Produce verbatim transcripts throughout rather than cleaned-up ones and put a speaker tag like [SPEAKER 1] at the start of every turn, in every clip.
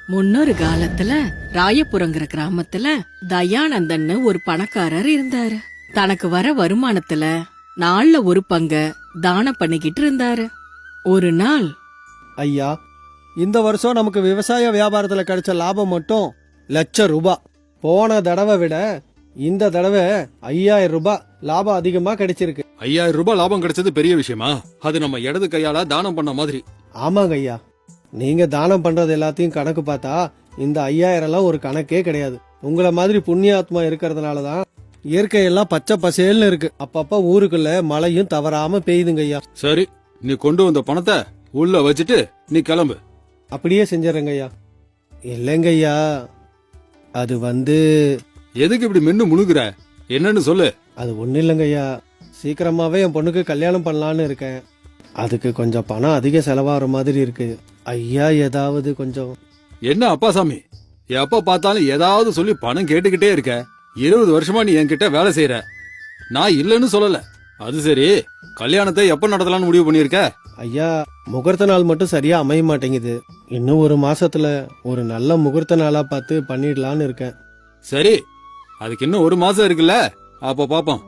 [SPEAKER 1] முன்னொரு காலத்துல ராயபுரங்கிற கிராமத்துல தயானந்தன்னு ஒரு பணக்காரர் இருந்தாரு. தனக்கு வர வருமானத்துல நாள்ல ஒரு பங்க தானம் பண்ணிக்கிட்டு இருந்தாரு. ஒரு நாள்,
[SPEAKER 2] ஐயா, இந்த வருஷம் நமக்கு விவசாய வியாபாரத்துல கிடைச்ச லாபம் மட்டும் லட்சம் ரூபாய். போன தடவை விட இந்த தடவை ஐயாயிரம் ரூபாய் லாபம் அதிகமா கிடைச்சிருக்கு.
[SPEAKER 3] ஐயாயிரம் ரூபாய் லாபம் கிடைச்சது பெரிய விஷயமா? அது நம்ம இடது கையால தானம் பண்ண மாதிரி.
[SPEAKER 2] ஆமாங்க ஐயா, நீங்க தானம் பண்றது எல்லாத்தையும் கணக்கு பார்த்தா இந்த ஐயாயிரம் எல்லாம் ஒரு கணக்கே கிடையாது. உங்களை மாதிரி புண்ணியாத்மா இருக்கிறதுனாலதான் இயற்கையெல்லாம் பச்சை பசேல்னு இருக்கு. அப்பப்ப ஊருக்குள்ள மழையும் தவறாம பெய்யுதுங்க ஐயா.
[SPEAKER 3] சரி, நீ கொண்டு வந்த பணத்தை உள்ள வச்சுட்டு நீ கிளம்பு.
[SPEAKER 2] அப்படியே செஞ்சிடறேங்க ஐயா. இல்லைங்க ஐயா, அது வந்து
[SPEAKER 3] எதுக்கு இப்படி மென்னு முழுகுற? என்னன்னு சொல்லு.
[SPEAKER 2] அது ஒன்றும் இல்லைங்க ஐயா, சீக்கிரமாவே என் பொண்ணுக்கு கல்யாணம் பண்ணலான்னு இருக்கேன். அதுக்கு கொஞ்சம் பணம் அதிக செலவாகிற மாதிரி இருக்கு. ஐயா ஏதாவது கொஞ்சம்.
[SPEAKER 3] என்ன அப்பாசாமி, எப்ப பார்த்தாலும் ஏதாவது சொல்லி பணம் கேட்டுக்கிட்டே இருக்க. இருபது வருஷமா நீ என்கிட்ட வேலை செய்யற, நான் இல்லன்னு சொல்லல. அது சரி, கல்யாணத்தை எப்ப நடத்தலாம்னு முடிவு பண்ணிருக்க?
[SPEAKER 2] ஐயா, முகூர்த்த நாள் மட்டும் சரியா அமைய மாட்டேங்குது. இன்னும் ஒரு மாசத்துல ஒரு நல்ல முகூர்த்த நாளா பார்த்து பண்ணிடலான்னு இருக்கேன்.
[SPEAKER 3] சரி, அதுக்கு இன்னும் ஒரு மாசம் இருக்குல்ல, அப்ப பாப்போம்.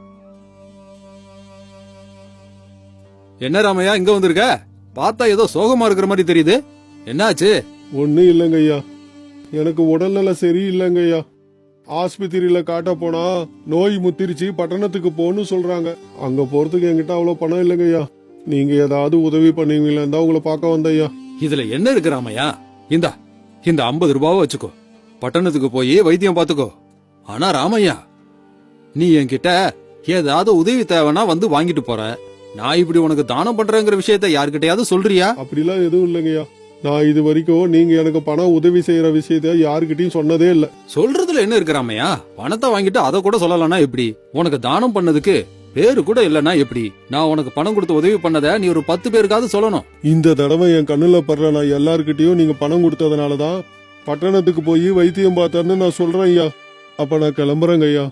[SPEAKER 3] என்ன ராமையா இங்க வந்திருக்க? பார்த்தா ஏதோ சோகமா இருக்கிற மாதிரி தெரியுது. என்னாச்சு?
[SPEAKER 4] ஒன்னும் இல்லைங்க ஐயா, எனக்கு உடல்நல சரி இல்லைங்க ஐயா. ஆஸ்பத்திரியில காட்ட போனா நோய் முத்திருச்சு, பட்டணத்துக்கு போன்னு சொல்றாங்க. அங்க போறதுக்கு என்கிட்ட அவ்வளவு பணம் இல்லைங்க ஐயா. நீங்க ஏதாவது உதவி பண்ணுவீங்களா தான் உங்களை பார்க்க வந்த ஐயா.
[SPEAKER 3] இதுல என்ன இருக்கு ராமையா? இந்தா, இந்த ஐம்பது ரூபாவை வச்சுக்கோ, பட்டணத்துக்கு போய் வைத்தியம் பாத்துக்கோ. ஆனா ராமையா, நீ என்கிட்ட ஏதாவது உதவி தேவைன்னா வந்து வாங்கிட்டு போற. நான் இப்படி உனக்கு தானம் பண்றேங்கிற விஷயத்த யாருக்கிட்டையாவது சொல்றியா?
[SPEAKER 4] அப்படிலாம் எதுவும் இல்லைங்கய்யா. நான் இது வரைக்கும் நீங்க எனக்கு பணம் உதவி செய்யற விஷயத்த யாருக்கிட்டையும் சொன்னதே இல்ல.
[SPEAKER 3] சொல்றதுல என்ன இருக்கு ராமையா? பணத்தை வாங்கிட்டு அதை கூட சொல்லலன்னா எப்படி? உனக்கு தானம் பண்ணதுக்கு பேரு கூட இல்லன்னா எப்படி? நான் உனக்கு பணம் கொடுத்து உதவி பண்ணத நீ ஒரு பத்து பேருக்காவது சொல்லணும்.
[SPEAKER 4] இந்த தடவை என் கண்ணுல படுற நான் எல்லாருக்கிட்டையும் நீங்க பணம் கொடுத்ததுனாலதான் பட்டணத்துக்கு போய் வைத்தியம் பார்த்தேன்னு நான் சொல்றேன் ஐயா. அப்ப நான் கிளம்புறேங்க ஐயா.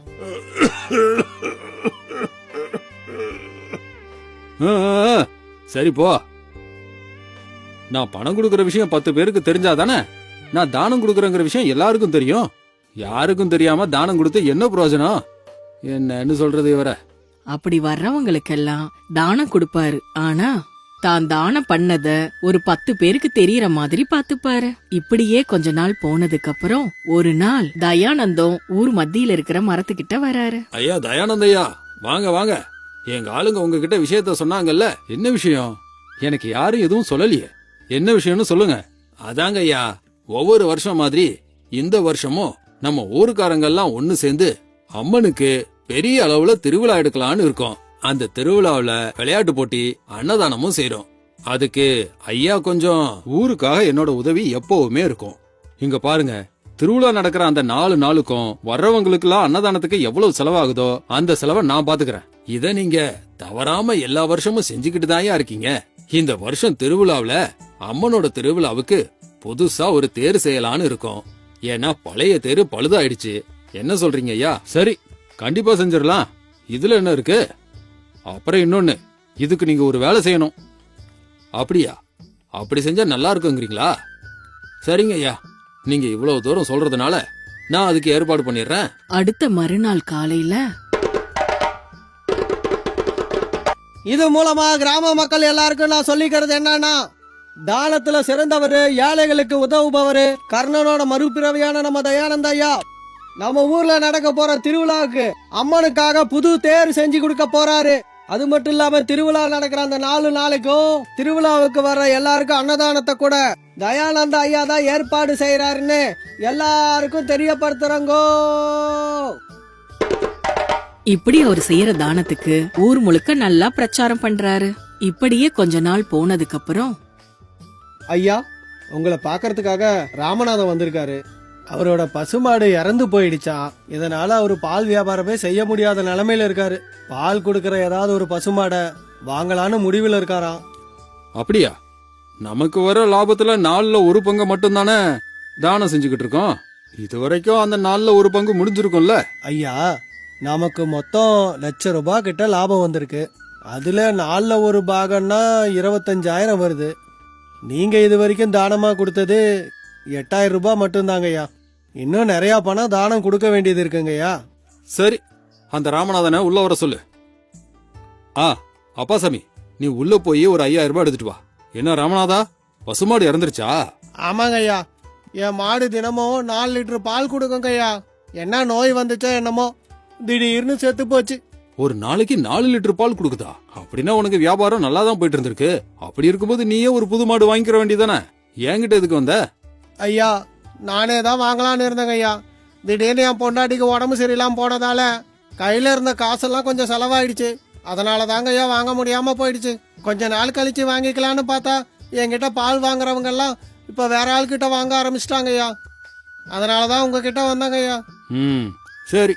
[SPEAKER 3] ஆ, ஆ, சரி போ. நான் பணம் கொடுக்கற விஷயம் பத்து பேருக்கு தெரிஞ்சாதானே நான் தானம் கொடுக்கறங்கிற விஷயம் எல்லாருக்கும் தெரியும். யாருக்கும் தெரியாம தானம் கொடுத்து என்ன பிரயோஜனம்? என்னன்னு சொல்றது இவர?
[SPEAKER 1] அப்படி வர்றவங்களுக்கெல்லாம் தானம் கொடுப்பாரு. ஆனா தான் தானம் பண்ணத ஒரு பத்து பேருக்கு தெரியற மாதிரி பாத்துப்பாரு. இப்படியே கொஞ்ச நாள் போனதுக்கு அப்புறம் ஒரு நாள் தயானந்தம் ஊர் மத்தியில இருக்கிற மரத்துக்கிட்ட வராரு.
[SPEAKER 3] ஐயா தயானந்தையா, வாங்க வாங்க. எங்க ஆளுங்க உங்ககிட்ட விஷயத்த சொன்னாங்கல்ல, என்ன விஷயம்? எனக்கு யாரும் எதுவும் சொல்லலையே, என்ன விஷயம்னு சொல்லுங்க. அதாங்க ஐயா, ஒவ்வொரு வருஷம் மாதிரி இந்த வருஷமும் நம்ம ஊருக்காரங்கெல்லாம் ஒண்ணு சேர்ந்து அம்மனுக்கு பெரிய அளவுல திருவிழா எடுக்கலான்னு இருக்கோம். அந்த திருவிழாவுல விளையாட்டு போட்டி, அன்னதானமும் செய்யறோம். அதுக்கு ஐயா கொஞ்சம் ஊருக்காக என்னோட உதவி எப்பவுமே இருக்கும். இங்க பாருங்க, திருவிழா நடக்கிற அந்த நாலு நாளுக்கும் வர்றவங்களுக்கு எல்லாம் அன்னதானத்துக்கு எவ்வளவு செலவாகுதோ அந்த செலவை நான் பாத்துக்கிறேன். இத நீங்க தவறாம எல்லா வருஷமும் செஞ்சுக்கிட்டு தான் இருக்கீங்க. இந்த வருஷம் திருவிழாவுல அம்மனோட திருவிழாவுக்கு புதுசா ஒரு தேர் செய்யலான்னு இருக்கோம். ஏன்னா பழைய தேரு பழுதாயிடுச்சு. என்ன சொல்றீங்க ஐயா? சரி, கண்டிப்பா செஞ்சிடலாம். இதுல என்ன இருக்கு? அப்புறம் இன்னொன்னு, இதுக்கு நீங்க ஒரு வேலை செய்யணும். அப்படியா? அப்படி செஞ்சா நல்லா இருக்குங்கிறீங்களா? சரிங்க ஐயா, நீங்க இவ்வளவு தூரம் சொல்றதுனால நான் அதுக்கு ஏற்பாடு பண்ணிடுறேன்.
[SPEAKER 1] அடுத்த மறுநாள் காலையில
[SPEAKER 2] இது மூலமா கிராம மக்கள் எல்லாருக்கும் நான் சொல்லிக்கிறது என்னன்னா, தானத்துல சிறந்தவரு, ஏழைகளுக்கு உதவுபவரு, கர்ணனோட மறுபிறவியான நம்ம தயானந்த ஐயா நம்ம ஊர்ல நடக்க போற திருவிழாவுக்கு அம்மனுக்காக புது தேர் செஞ்சு கொடுக்க போறாரு. அது மட்டும் இல்லாம திருவிழா நடக்கிற அந்த நாலு நாளைக்கும் திருவிழாவுக்கு வர்ற எல்லாருக்கும் அன்னதானத்தை கூட தயானந்த ஐயா தான் ஏற்பாடு செய்யறாருன்னு எல்லாருக்கும் தெரியப்படுத்துறங்கோ.
[SPEAKER 1] இப்படி அவர் செய்யற தானத்துக்கு ஊர் முழுக்க நல்லா பிரச்சாரம் பண்றாரு. இப்படியே கொஞ்ச நாள் போனதுக்கு அப்புறம்,
[SPEAKER 2] ஐயா, உங்களை பாக்கறதுக்காக ராமநாதன் வந்திருக்காரு. அவரோட பசுமாடு இறந்து போயிடுச்சான். இதனால அவரு பால் வியாபாரமே செய்ய முடியாத நிலைமையில இருக்காரு. பால் கொடுக்கற ஏதாவது ஒரு பசுமாடை வாங்கலான்னு முடிவில் இருக்காராம்.
[SPEAKER 3] அப்படியா? நமக்கு வர லாபத்துல நாலுல ஒரு பங்கு மட்டும் தானே தானம் செஞ்சுக்கிட்டு இருக்கோம். இது வரைக்கும் அந்த நாலுல ஒரு பங்கு முடிஞ்சிருக்கும்ல.
[SPEAKER 2] ஐயா, நமக்கு மொத்தம் லட்ச ரூபாய் கிட்ட லாபம் வந்திருக்கு. அதுல நாலுல ஒரு பாகம்னா இருபத்தஞ்சாயிரம் வருது. நீங்க இது வரைக்கும் தானமா கொடுத்தது எட்டாயிரம் ரூபாய் மட்டும்தாங்கய்யா. இன்னும் நிறைய பணம் தானம் கொடுக்க வேண்டியது இருக்குங்கய்யா.
[SPEAKER 3] சரி, அந்த ராமநாதனை உள்ள வர சொல்லு. ஆ அப்பாசாமி, நீ உள்ள போய் ஒரு ஐயாயிரம் ரூபாய் எடுத்துட்டு வா. என்ன ராமநாதா, பசுமாடு இறந்துருச்சா?
[SPEAKER 2] ஆமாங்கய்யா, என் மாடு தினமும் நாலு லிட்டர் பால் கொடுக்குங்கய்யா. என்ன நோய் வந்துச்சோ என்னமோ திடீர்னு செத்து போச்சு.
[SPEAKER 3] ஒரு நாளைக்கு நாலு லிட்டர் பால் கொடுக்குதா? அப்படின்னா உனக்கு வியாபாரம் நல்லா தான் போயிட்டு இருந்திருக்கு. அப்படி இருக்கும்போது நீயே ஒரு புது மாடு வாங்கிக்கிற வேண்டியதானே. என்கிட்ட எதுக்கு வந்த?
[SPEAKER 2] ஐயா, நானே தான் வாங்கலான்னு இருந்தேங்க ஐயா. திடீர்னு என் பொண்டாட்டிக்கு உடம்பு சரியில்லாம போனதால கையில இருந்த காசெல்லாம் கொஞ்சம் செலவாயிடுச்சு. அதனால தாங்க ஐயா வாங்க முடியாம போயிடுச்சு. கொஞ்ச நாள் கழிச்சு வாங்கிக்கலான்னு பார்த்தா என்கிட்ட பால் வாங்குறவங்க எல்லாம் இப்ப வேற ஆள்கிட்ட வாங்க ஆரம்பிச்சிட்டாங்க ஐயா. அதனாலதான் உங்ககிட்ட வந்தாங்க ஐயா.
[SPEAKER 3] ம் சரி,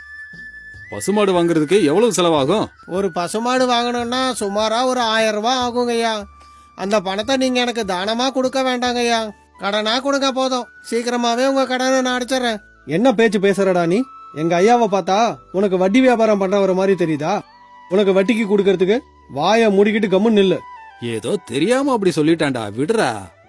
[SPEAKER 3] பசுமாடு வாங்குறதுக்கு எவ்வளவு செலவாகும்?
[SPEAKER 2] ஒரு பசுமாடு வாங்கணும்னா சுமாரா ஒரு ஆயிரம் ரூபாய் ஆகுங்க ஐயா. அந்த பணத்தை நீங்க எனக்கு தானமா கொடுக்க வேண்டாங்க ஐயா, கடனா கொடுங்க போதும். சீக்கிரமாவே உங்க கடனை நான் அடிச்சிடறேன். என்ன பேச்சு பேசுறடா நீ? எங்க ஐயாவை பார்த்தா உனக்கு வட்டி வியாபாரம் பண்றவர மாதிரி தெரியுதா? உனக்கு வட்டிக்கு கொடுக்கறதுக்கு வாயை மூடிக்கிட்டு கம்முன்னு நில்லு.
[SPEAKER 3] ஏதோ தெரியாம அப்படி சொல்லிட்டான்டா, விடுறா.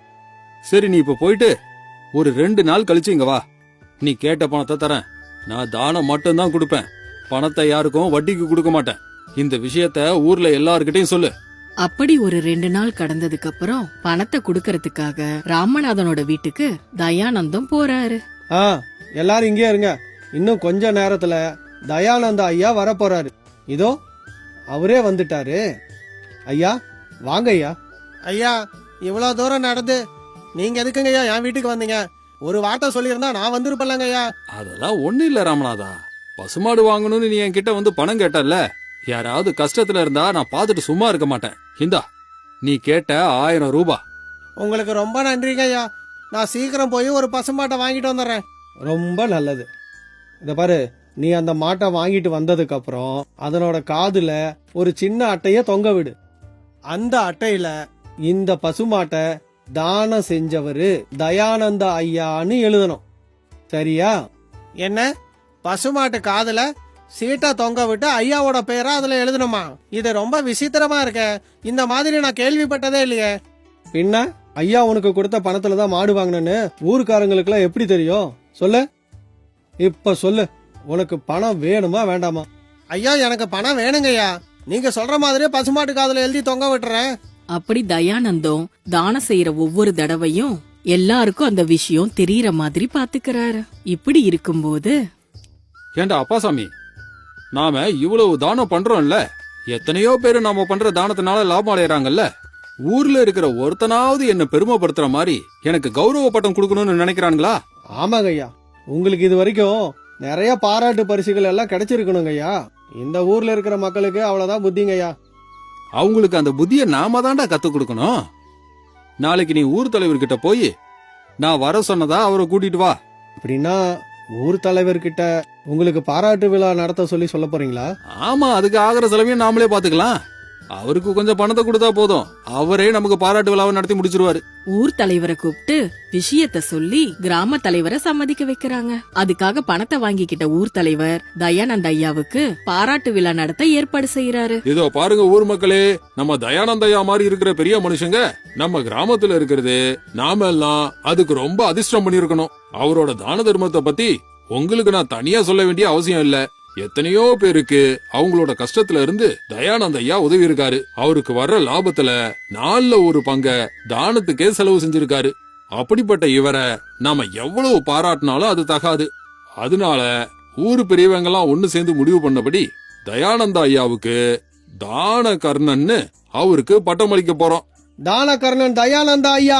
[SPEAKER 3] சரி, நீ இப்ப போயிட்டு ஒரு ரெண்டு நாள் கழிச்சு இங்க வா. நீ கேட்ட பணத்தை தரேன். நான் தானம் மட்டும்தான் கொடுப்பேன், பணத்தை யாருக்கும் வட்டிக்கு கொடுக்க மாட்டேன். இந்த விஷயத்த ஊர்ல எல்லார்கிட்டயும் சொல்லு.
[SPEAKER 1] அப்படி ஒரு ரெண்டு நாள் கடந்ததுக்கு அப்புறம் பணத்தை குடுக்கறதுக்காக ராமநாதனோட வீட்டுக்கு தயானந்தம் போறாரு.
[SPEAKER 2] ஆ, எல்லாரும் இங்கே இருங்க. இன்னும் கொஞ்ச நேரத்துல தயானந்த ஐயா வர போறாரு. இதோ அவரே வந்துட்டாரு. ஐயா வாங்க ஐயா. ஐயா, இவ்வளவு தூரம் நடந்து நீங்க எதுக்குங்க ஐயா என் வீட்டுக்கு வந்தீங்க? ஒரு வார்த்தை சொல்லியிருந்தா நான் வந்திருப்பேன்லங்க ஐயா.
[SPEAKER 3] அதெல்லாம் ஒண்ணு இல்ல ராமநாதா, பசுமாடு வாங்கணும்னு நீ என்கிட்ட வந்து பணம் கேட்டல்ல. யாராவது கஷ்டத்துல இருந்தா நான் பாத்துட்டு சும்மா இருக்க மாட்டேன். இந்தா, நீ கேட்ட ஆயிரம் ரூபாய்.
[SPEAKER 2] உங்களுக்கு ரொம்ப நன்றிங்க ஐயா. நான் சீக்கிரம் போய் ஒரு பசுமாட்டை வாங்கிட்டு வந்துடுறேன். ரொம்ப நல்லது. இத பாரு, நீ அந்த மாட்டை வாங்கிட்டு வந்ததுக்கு அப்புறம் அதனோட காதுல ஒரு சின்ன அட்டைய தொங்க விடு. அந்த அட்டையில இந்த பசுமாட்டை தானம் செஞ்சவரு தயானந்த ஐயான்னு எழுதணும். சரியா? என்ன, பசுமாட்டு காதுல சீட்டா தொங்க விட்டு ஐயாவோட பேரா அதுல எழுதணுமா? இது ரொம்ப விசித்திரமா இருக்க. இந்த மாதிரி நான் கேள்விப்பட்டதே இல்லையே. பின்ன ஐயா உனக்கு கொடுத்த பணத்துல தான் மாடு வாங்கினேன்னு ஊருக்காரங்களுக்கு எல்லாம் எப்படி தெரியும்? சொல்லு, இப்ப சொல்லு, உனக்கு பணம் வேணுமா வேண்டாமா? ஐயா, எனக்கு பணம் வேணுங்க ஐயா. நீங்க சொல்ற மாதிரியே பசுமாட்டு காதுல எழுதி தொங்க விட்டுறேன்.
[SPEAKER 1] அப்படி தயானந்தம் தானம் செய்யற ஒவ்வொரு தடவையும் எல்லாருக்கும் அந்த விஷயம் தெரியற மாதிரி பாத்துக்கிறாரு. இப்படி இருக்கும்போது,
[SPEAKER 3] ஏண்டா அப்பாசாமி, நாம இவ்வளவு தானம் பண்றோம்ல, எத்தனையோ பேரு நாம பண்ற தானத்தினால லாபம் அடையறாங்கல்ல. ஊர்ல இருக்கிற ஒருத்தனாவது என்ன பெருமைப்படுத்துற மாதிரி எனக்கு கௌரவ பட்டம் கொடுக்கணும்னு நினைக்கிறானுங்களா?
[SPEAKER 2] ஆமாங்க ஐயா, உங்களுக்கு இது வரைக்கும் நிறைய பாராட்டு பரிசுகள் எல்லாம் கிடைச்சிருக்கணுங்க ஐயா. இந்த ஊர்ல இருக்கிற மக்களுக்கு அவ்வளவுதான் புத்திங்க ஐயா.
[SPEAKER 3] அவங்களுக்கு அந்த புத்திய நாம தான்டா கத்து கொடுக்கணும். நாளைக்கு நீ ஊர் தலைவர்கிட்ட போய் நான் வர சொன்னதா அவரை கூட்டிட்டு வா.
[SPEAKER 2] அப்படின்னா ஊர் தலைவர்கிட்ட உங்களுக்கு பாராட்டு விழா நடத்த சொல்லி சொல்ல போறீங்களா?
[SPEAKER 3] ஆமா, அதுக்கு ஆகிற செலவையும் நாமளே பாத்துக்கலாம். அவருக்கு கொஞ்சம் பணத்தை கொடுத்தா போதும், அவரே நமக்கு பாராட்டு விழாவை நடத்தி முடிச்சிருவாரு.
[SPEAKER 1] ஊர் தலைவரை கூப்பிட்டு விஷயத்த சொல்லி கிராம தலைவரை சம்மதிக்க வைக்கிறாங்க. அதுக்காக பணத்தை வாங்கிக்கிட்ட ஊர் தலைவர் தயானந்த ஐயாவுக்கு பாராட்டு விழா நடத்த ஏற்பாடு செய்யறாரு.
[SPEAKER 3] இதோ பாருங்க ஊர் மக்களே, நம்ம தயானந்த ஐயா மாதிரி இருக்கிற பெரிய மனுஷங்க நம்ம கிராமத்துல இருக்கிறது நாம எல்லாம் அதுக்கு ரொம்ப அதிர்ஷ்டம் பண்ணிருக்கணும். அவரோட தான தர்மத்தை பத்தி உங்களுக்கு நான் தனியா சொல்ல வேண்டிய அவசியம் இல்ல. எத்தனையோ பேருக்கு அவங்களோட கஷ்டத்துல இருந்து தயானந்த ஐயா உதவி இருக்காரு. அவருக்கு வர்ற லாபத்துல நாலுல ஒரு பங்க தானத்துக்கே செலவு செஞ்சிருக்காரு. அப்படிப்பட்ட இவரை நாம எவ்வளவு பாராட்டினாலும் அது தகாது. அதனால ஊரு பெரியவங்க எல்லாம் ஒண்ணு சேர்ந்து முடிவு பண்ணபடி தயானந்த ஐயாவுக்கு தான கர்ணன்னு அவருக்கு பட்டம் அளிக்க போறோம்.
[SPEAKER 2] தானகர்ணன் தயானந்த ஐயா,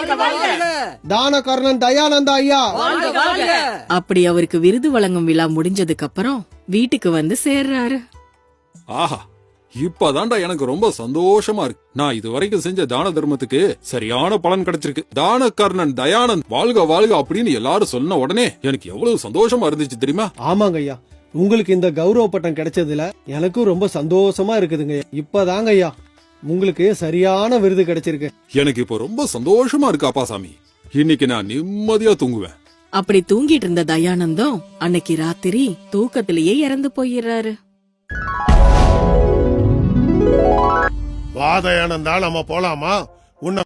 [SPEAKER 2] தானகர்ணன் தயானந்த ஐயா.
[SPEAKER 1] அப்படி அவருக்கு விருது வழங்கும் விழா முடிஞ்சதுக்கு அப்புறம் வீட்டுக்கு வந்து சேர்றாரு.
[SPEAKER 3] ஆஹா, இப்பதான்டா எனக்கு ரொம்ப சந்தோஷமா இருக்கு. நான் இது வரைக்கும் செஞ்ச தான தர்மத்துக்கு சரியான பலன் கிடைச்சிருக்கு. தான கர்ணன் தயானந்த் வாழ்க வாழ்க அப்படின்னு எல்லாரும் சொன்ன உடனே எனக்கு எவ்வளவு சந்தோஷமா இருந்துச்சு தெரியுமா?
[SPEAKER 2] ஆமாங்க ஐயா, உங்களுக்கு இந்த கௌரவ பட்டம் கிடைச்சதுல எனக்கும் ரொம்ப சந்தோஷமா இருக்குதுங்க. இப்பதாங்க ஐயா உங்களுக்கு சரியான விருது கிடைச்சிருக்கு.
[SPEAKER 3] எனக்கு இப்போ ரொம்ப சந்தோஷமா இருக்கு அப்பாசாமி. இன்னைக்கு நான் நிம்மதியா தூங்குவேன்.
[SPEAKER 1] அப்படி தூங்கிட்டு இருந்த தயானந்தம் அன்னைக்கு ராத்திரி தூக்கத்திலேயே இறந்து போயிடுறாரு.
[SPEAKER 4] வா தயானந்தா, நம்ம போலாமா? உன்னை